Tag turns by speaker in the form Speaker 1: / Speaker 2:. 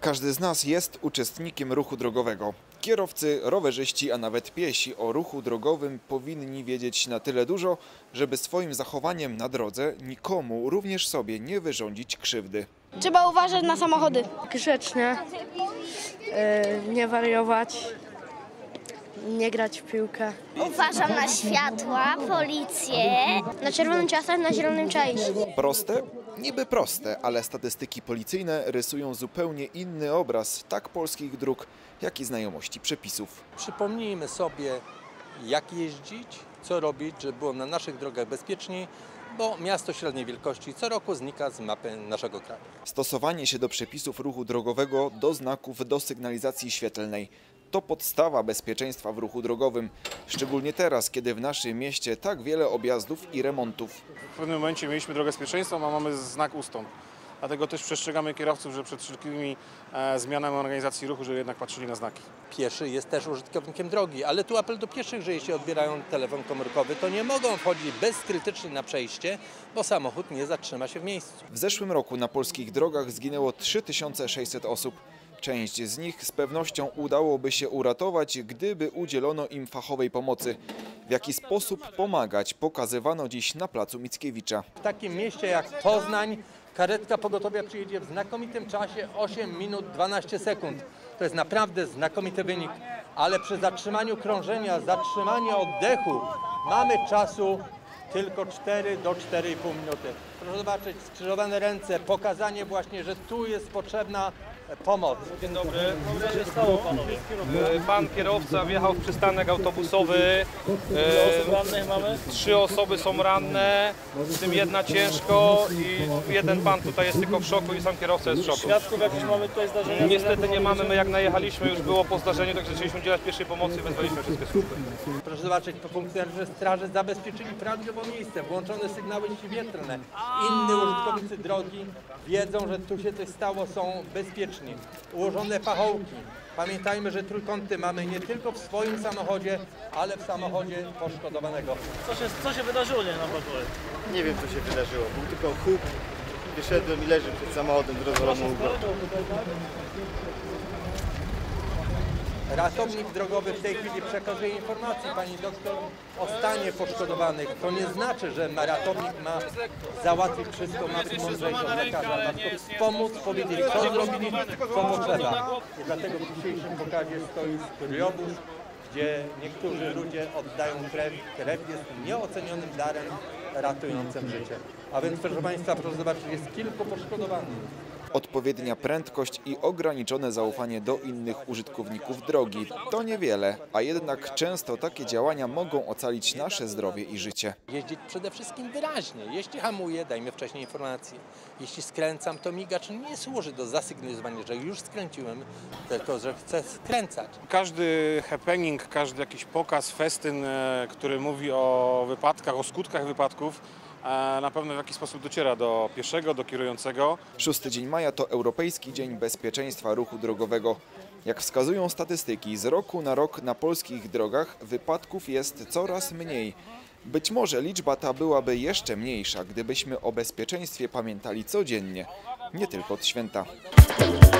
Speaker 1: Każdy z nas jest uczestnikiem ruchu drogowego. Kierowcy, rowerzyści, a nawet piesi o ruchu drogowym powinni wiedzieć na tyle dużo, żeby swoim zachowaniem na drodze nikomu, również sobie, nie wyrządzić krzywdy.
Speaker 2: Trzeba uważać na samochody.
Speaker 3: Grzecznie, nie wariować, nie grać w piłkę.
Speaker 4: Uważam na światła, policję.
Speaker 2: Na czerwonym trzeba stać, na zielonym trzeba iść.
Speaker 1: Proste? Niby proste, ale statystyki policyjne rysują zupełnie inny obraz tak polskich dróg, jak i znajomości przepisów.
Speaker 5: Przypomnijmy sobie, jak jeździć, co robić, żeby było na naszych drogach bezpieczniej, bo miasto średniej wielkości co roku znika z mapy naszego kraju.
Speaker 1: Stosowanie się do przepisów ruchu drogowego, do znaków, do sygnalizacji świetlnej to podstawa bezpieczeństwa w ruchu drogowym, szczególnie teraz, kiedy w naszym mieście tak wiele objazdów i remontów.
Speaker 6: W pewnym momencie mieliśmy drogę z pierwszeństwem, a mamy znak ustąp. Dlatego też przestrzegamy kierowców, że przed wszelkimi zmianami organizacji ruchu, żeby jednak patrzyli na znaki.
Speaker 5: Pieszy jest też użytkownikiem drogi, ale tu apel do pieszych, że jeśli odbierają telefon komórkowy, to nie mogą wchodzić bezkrytycznie na przejście, bo samochód nie zatrzyma się w miejscu.
Speaker 1: W zeszłym roku na polskich drogach zginęło 3600 osób. Część z nich z pewnością udałoby się uratować, gdyby udzielono im fachowej pomocy. W jaki sposób pomagać, pokazywano dziś na placu Mickiewicza.
Speaker 5: W takim mieście jak Poznań karetka pogotowia przyjedzie w znakomitym czasie 8 minut 12 sekund. To jest naprawdę znakomity wynik, ale przy zatrzymaniu krążenia, zatrzymaniu oddechu mamy czasu tylko 4 do 4,5 minuty. Proszę zobaczyć, skrzyżowane ręce, pokazanie właśnie, że tu jest potrzebna pomoc.
Speaker 7: Dzień dobry. Co się stało, panowie? Pan kierowca wjechał w przystanek autobusowy. Ile osób rannych mamy? 3 osoby są ranne, w tym jedna ciężko i jeden pan tutaj jest tylko w szoku i sam kierowca jest w szoku.
Speaker 8: Świadków jakieś mamy tutaj zdarzenia?
Speaker 7: Niestety nie mamy, my jak najechaliśmy już było po zdarzeniu, także zaczęliśmy udzielać pierwszej pomocy i wezwaliśmy wszystkie służby.
Speaker 5: Proszę zobaczyć, funkcjonariusze straży zabezpieczyli prawidłowo miejsce, włączone sygnały świetlne. Inni użytkownicy drogi wiedzą, że tu się coś stało, są bezpieczni. Ułożone pachołki. Pamiętajmy, że trójkąty mamy nie tylko w swoim samochodzie, ale w samochodzie poszkodowanego.
Speaker 8: Co się wydarzyło, nie na pokoju?
Speaker 9: Nie wiem, co się wydarzyło. Był tylko huk, wyszedłem i leży przed samochodem z rozwaloną łbą.
Speaker 5: Ratownik drogowy w tej chwili przekazuje informację pani doktor o stanie poszkodowanych. To nie znaczy, że ratownik ma załatwić wszystko, ma być mądrzejszy od lekarza. Ma tylko wspomóc, powiedzieć, co zrobili, co potrzeba. I dlatego w dzisiejszym pokazie stoi skryobóz, gdzie niektórzy ludzie oddają krew. Krew jest nieocenionym darem ratującym życie. A więc, proszę państwa, proszę zobaczyć, jest kilku poszkodowanych.
Speaker 1: Odpowiednia prędkość i ograniczone zaufanie do innych użytkowników drogi to niewiele, a jednak często takie działania mogą ocalić nasze zdrowie i życie.
Speaker 5: Jeździć przede wszystkim wyraźnie. Jeśli hamuję, dajmy wcześniej informację. Jeśli skręcam, to migacz nie służy do zasygnalizowania, że już skręciłem, tylko że chcę skręcać.
Speaker 6: Każdy happening, każdy jakiś pokaz, festyn, który mówi o wypadkach, o skutkach wypadków, na pewno w jakiś sposób dociera do pieszego, do kierującego.
Speaker 1: 6 dzień maja to Europejski Dzień Bezpieczeństwa Ruchu Drogowego. Jak wskazują statystyki, z roku na rok na polskich drogach wypadków jest coraz mniej. Być może liczba ta byłaby jeszcze mniejsza, gdybyśmy o bezpieczeństwie pamiętali codziennie, nie tylko od święta.